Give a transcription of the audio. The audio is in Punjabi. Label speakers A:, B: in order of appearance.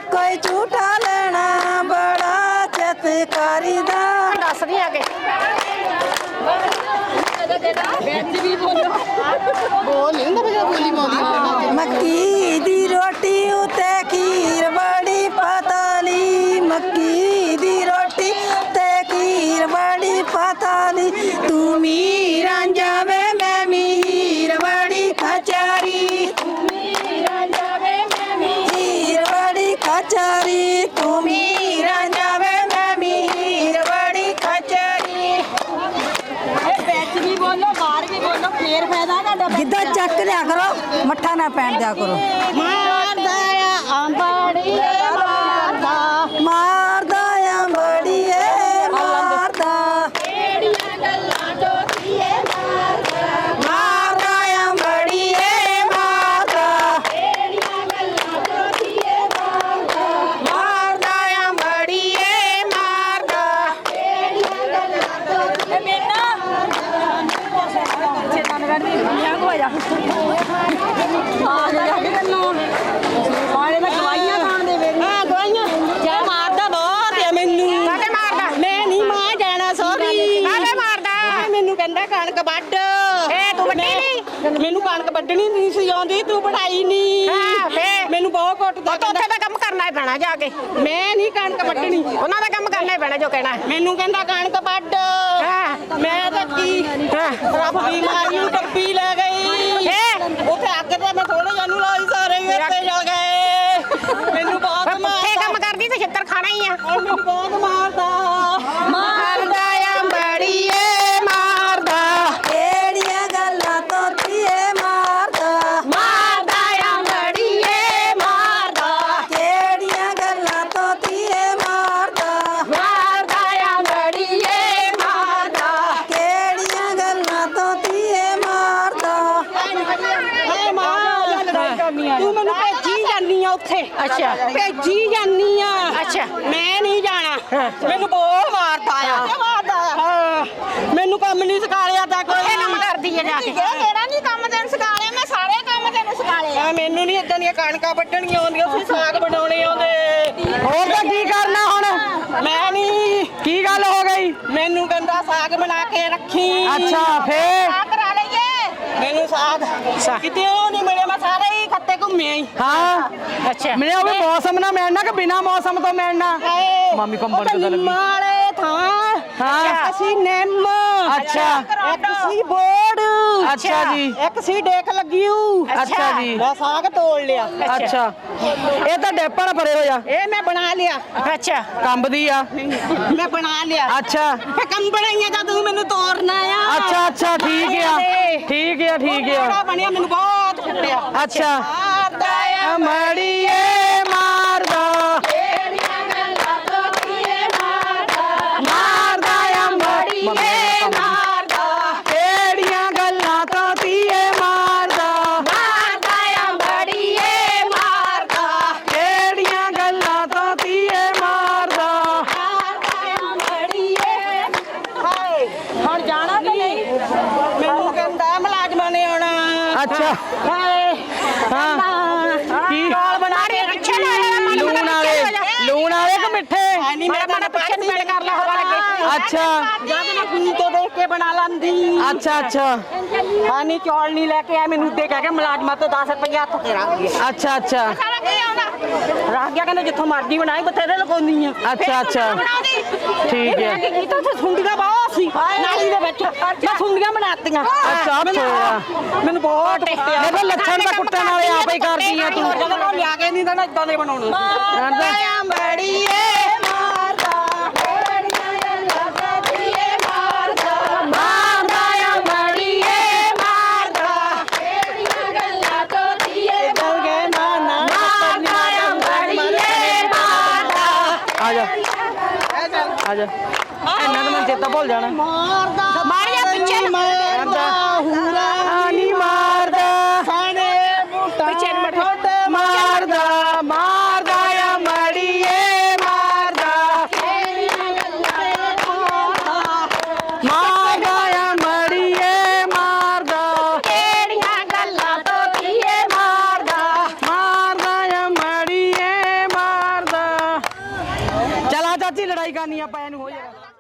A: कोई झूठा लेना बड़ा चितकारी दा
B: दस दी आगे
A: मक्की दी रोटी उते खीर बड़ी पताली मक्की दी रोटी ते खीर बड़ी पताली तू मीरा जावे मैं मीर बड़ी खचारी मीर बड़ी खचारी तू मीरा जावे मैं मीर बड़ी खचारी गिद्दा चक लिया करो मट्ठा ना पहन दिया करो मारदा अंबड़ी मारदा मारदा अंबड़ी मारदा एड़ियां गल्लां जोतीए मारदा मारदा अंबड़ी मारदा एड़ियां गल्लां जोतीए मारदा मारदा अंबड़ी मारदा एड़ियां गल्लां जोतीए बेटा
C: ਮੈਨੂੰ ਕਣਕ ਵੱਢਣੀ ਨਹੀਂ ਸੀ ਆਉਂਦੀ ਤੂੰ ਵਢਾਈ ਨਹੀਂ ਮੈਨੂੰ ਬਹੁਤ ਕੁੱਟਦਾ
B: ਉੱਥੇ ਦਾ ਕੰਮ ਕਰਨਾ ਹੀ ਪੈਣਾ ਜਾ ਕੇ
C: ਮੈਂ ਨਹੀਂ ਕਣਕ ਵੱਢਣੀ
B: ਉਹਨਾਂ ਦਾ ਕੰਮ ਕਰਨਾ ਹੀ ਪੈਣਾ ਜੋ ਕਹਿਣਾ
C: ਮੈਨੂੰ ਕਹਿੰਦਾ ਕਣਕ ਵੱਢ ਮੈਂ ਤਾਂ ਕੀ ਰੱਬ ਬਿਮਾਰੀ ਨੂੰ ਟੱਪੀ ਲੈ ਗਈ ਉੱਥੇ ਅੱਗ ਤੇ ਮੈਂ ਥੋੜੇ ਜਾਨੂੰ ਲਾਈ ਸਾਰੇ ਉੱਤੇ ਜਲ ਗਏ ਮੈਨੂੰ ਬਹੁਤ
B: ਪੁੱਠੇ ਕੰਮ ਕਰਦੀ ਤੇ ਛਿੱਤਰ ਖਾਣਾ ਹੀ ਆ
C: ਮੈਨੂੰ ਬਹੁਤ ਮਾਰਦਾ
B: ਮਾਰਦਾ ਅੰਬੜੀਏ ਮਾਰਦਾ
A: एड़ियां गल्लां तोतीए मारदा
B: ਮਾਰਦਾ ਅੰਬੜੀਏ ਮਾਰਦਾ
A: केड़ियां गल्लां तोतीए मारदा
B: ਮਾਰਦਾ ਅੰਬੜੀਏ ਮਾਰਦਾ
A: केड़ियां गल्लां तोतीए मारदा
C: ਤੂੰ ਮੈਨੂੰ ਭੇਜੀ ਜਾਨੀ ਆ ਉੱਥੇ
B: ਅੱਛਾ
C: ਭੇਜੀ ਜਾਨੀ ਆ
B: ਅੱਛਾ
C: ਮੈਂ ਨਹੀਂ ਜਾਣਾ ਮੈਨੂੰ ਬਹੁਤ ਮਾਰਦਾ ਆ ਮੈਨੂੰ ਕੰਮ ਨਹੀਂ ਸਿਖਾਇਆ ਤਾਂ ਕੋਈ
B: ਇਹ ਕੰਮ ਕਰਦੀ ਹੈ ਜਾ ਕੇ
C: ਤੇਰਾ ਨਹੀਂ ਕੰਮ ਤੈਨੂੰ ਸਿਖਾਇਆ ਮੈਂ ਸਾਰੇ ਕੰਮ ਤੈਨੂੰ ਸਿਖਾਇਆ ਮੈਨੂੰ ਨਹੀਂ ਇਦਾਂ ਦੀਆਂ ਕਣਕਾਂ ਵੱਢਣੀਆਂ ਆਉਂਦੀਆਂ ਤੁਸੀਂ ਸਾਗ ਬਣਾਉਣੇ ਆਉਂਦੇ
D: ਹੋਰ ਤਾਂ ਕੀ ਕਰਨਾ ਹੁਣ
C: ਮੈਂ ਨਹੀਂ
D: ਕੀ ਗੱਲ ਹੋ ਗਈ
C: ਮੈਨੂੰ ਕਹਿੰਦਾ ਸਾਗ ਬਣਾ ਕੇ ਰੱਖੀ
D: ਅੱਛਾ ਫੇਰ
C: ਕਰਾ ਲਈਏ ਮੈਨੂੰ ਸਾਗ ਕਿਤੇ ਉਹ ਨਹੀਂ ਮਿਲਿਆ ਮੈਂ ਸਾਰੇ ਹੀ ਖੱਤੇ ਘੁੰਮਿਆ ਹੀ
D: ਹਾਂ
B: ਅੱਛਾ
D: ਮਿਲਿਆ ਉਹ ਵੀ ਮੌਸਮ ਨਾਲ ਮਿਲਣਾ ਕਿ ਬਿਨਾ ਮੌਸਮ ਤੋਂ ਮਿਲਣਾ ਮਾਮੀ ਕੰਬਲ ਕਿੱਦਾਂ ਲੱਗੀ
C: ਮਾਲੇ ਥਾਂ
D: ਹਾਂ
C: ਅਸੀਂ ਨਿੰਮ
D: ਅੱਛਾ
C: ਇੱਕ ਸੀ ਬੋੜ
D: ਅੱਛਾ ਜੀ
C: ਇੱਕ ਸੀ ਡੇਕ ਲੱਗੀ ਹੂ
D: ਅੱਛਾ ਜੀ
C: ਮੈਂ ਸਾਗ ਤੋੜ ਲਿਆ
D: ਅੱਛਾ ਇਹ ਤਾਂ ਡੇਪਾਂ ਨਾਲ ਭਰੇ ਹੋਏ ਆ
C: ਇਹ ਮੈਂ ਬਣਾ ਲਿਆ
B: ਅੱਛਾ
D: ਕੰਬਦੀ ਆ
C: ਮੈਂ ਬਣਾ ਲਿਆ
D: ਅੱਛਾ
C: ਫੇ ਕੰਬਣੀਆਂ ਜਦ ਤੂੰ ਮੈਨੂੰ ਤੋੜਨਾ ਆ
D: ਅੱਛਾ ਅੱਛਾ ਠੀਕ ਆ ਠੀਕ ਆ ਠੀਕ ਆ
C: ਬੜਾ ਬਣਿਆ ਮੈਨੂੰ ਬਹੁਤ ਫੁੱਟਿਆ
D: ਅੱਛਾ
C: ਮਾਰਦਾ ਆ
D: ਮੜੀਏ ਮਾਰਦਾ ਮਾਰਦਾ ਆ ਮੜੀਏ ਮਾਰਦਾ ਕਿਹੜੀਆਂ ਗੱਲਾਂ ਤੋਂ ਧੀਏ ਮਾਰਦਾ
B: ਮਾਰਦਾ ਅੰਬੜੀਏ ਮਾਰਦਾ
D: ਕਿਹੜੀਆਂ ਗੱਲਾਂ ਤੋਂ ਧੀਏ ਮਾਰਦਾ
C: ਹਾਏ ਹੁਣ ਜਾਣਾ ਕਿ ਨਹੀਂ ਮੈਨੂੰ ਕਹਿੰਦਾ ਮੁਲਾਜ਼ਮਾਂ ਨੇ ਆਉਣਾ
D: ਅੱਛਾ
C: ਹਾਏ
D: ਹਾਂ ਕੀ
C: ਚੌਲ ਬਣਾ ਕੇ
B: ਪਿੱਛੇ ਲੈ
D: ਲੂਣ ਵਾਲੇ ਕਿ ਮਿੱਠੇ
C: ਨਹੀਂ ਮੇਰਾ ਪਿੱਛੇ ਨਹੀਂ ਪੇੜ ਕਰ ਲਾ ਹਵਾ ਲੱਗੇ
D: ਅੱਛਾ
C: ਜਦ ਮੈਂ ਫੋਨ ਤੋਂ ਦੇਖ ਕੇ ਬਣਾ ਲੈਂਦੀ
D: ਅੱਛਾ ਅੱਛਾ
C: ਹਾਂ ਨਹੀਂ ਚੌਲ ਨਹੀਂ ਲੈ ਕੇ ਆਇਆ ਮੈਨੂੰ ਉੱਤੇ ਕਹਿ ਕੇ ਮੁਲਾਜ਼ਮਾਂ ਤੋਂ 10 ਰੁਪਏ ਹੱਥ ਤੇ ਰੱਖ ਗਿਆ
D: ਅੱਛਾ ਅੱਛਾ
C: ਰੱਖ ਗਿਆ ਕਹਿੰਦਾ ਜਿੱਥੋਂ ਮਰਜ਼ੀ ਬਣਾਈ ਬਥੇਰੇ ਲਗਾਉਂਦੀ ਆ
D: ਅੱਛਾ ਅੱਛਾ ਠੀਕ ਹੈ
C: ਇਹ ਤਾਂ ਉੱਥੇ ਸੁੰਡੀਆਂ ਬਹੁਤ ਸੀ ਨਾਲੀ ਦੇ ਵਿੱਚ ਮੈਂ ਸੁੰਡੀਆਂ ਬਣਾਤੀਆਂ
D: ਅੱਛਾ ਛੋੜਾ
C: ਮੈਨੂੰ ਬਹੁਤ ਕੁੱਟਿਆ
D: ਮੇਰੇ ਲੱਛਣ ਦਾ ਕੁੱਟਣ ਵਾਲੇ ਆਪੇ ਹੀ ਕਰਦੀ ਆ ਤੂੰ
C: ਜਦੋਂ ਮੈਂ ਲਿਆ ਕੇ ਨਹੀਂ ਦੇਣਾ ਇਦਾਂ ਦੇ ਬਣਾਉਣੇ
D: ਜਾਣਦਾ
C: ਬੜੀਏ ਮਾਰਦਾ
D: ਮਾਰਦਾ ਆ ਮੜੀਏ ਮਾਰਦਾ ਮਾਰਦਾ ਆ ਮੜੀਏ ਮਾਰਦਾ ਆ ਜਾ ਆ ਜਾ ਇਹਨਾਂ ਦਾ ਮੈਂ ਚੇਤਾ ਭੁੱਲ ਜਾਣਾ
C: ਮਾਰਦਾ ਮਾਰਿਆ ਪਿੱਛੇ ਮਾਰਦਾ ਹੂਰਾ